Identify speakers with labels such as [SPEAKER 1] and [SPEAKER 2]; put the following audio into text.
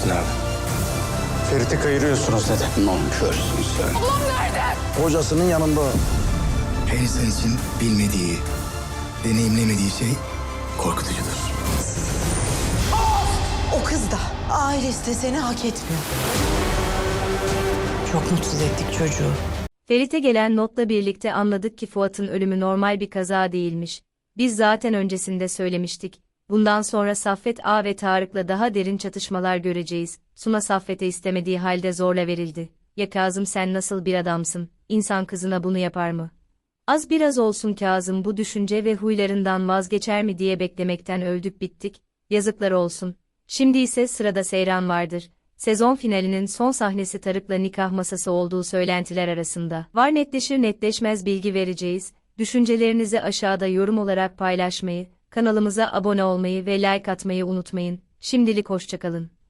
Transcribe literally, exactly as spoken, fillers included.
[SPEAKER 1] abi.
[SPEAKER 2] Ferit'i kayırıyorsunuz dedi.
[SPEAKER 1] Nankörsün sen.
[SPEAKER 2] Hocasının yanında.
[SPEAKER 1] Her insan için bilmediği, deneyimlemediği şey korkutucudur.
[SPEAKER 3] O kız da ailesi de seni hak etmiyor. Çok mutsuz ettik çocuğu.
[SPEAKER 4] Ferit'e gelen notla birlikte anladık ki Fuat'ın ölümü normal bir kaza değilmiş. Biz zaten öncesinde söylemiştik. Bundan sonra Saffet Ağa ve Tarık'la daha derin çatışmalar göreceğiz. Suna Saffet'e istemediği halde zorla verildi. Ya Kazım, sen nasıl bir adamsın? İnsan kızına bunu yapar mı? Az biraz olsun Kazım bu düşünce ve huylarından vazgeçer mi diye beklemekten öldük bittik. Yazıklar olsun. Şimdi ise sırada Seyran vardır. Sezon finalinin son sahnesi Tarık'la nikah masası olduğu söylentiler arasında. Var, netleşir netleşmez bilgi vereceğiz. Düşüncelerinizi aşağıda yorum olarak paylaşmayı, kanalımıza abone olmayı ve like atmayı unutmayın. Şimdilik hoşça kalın.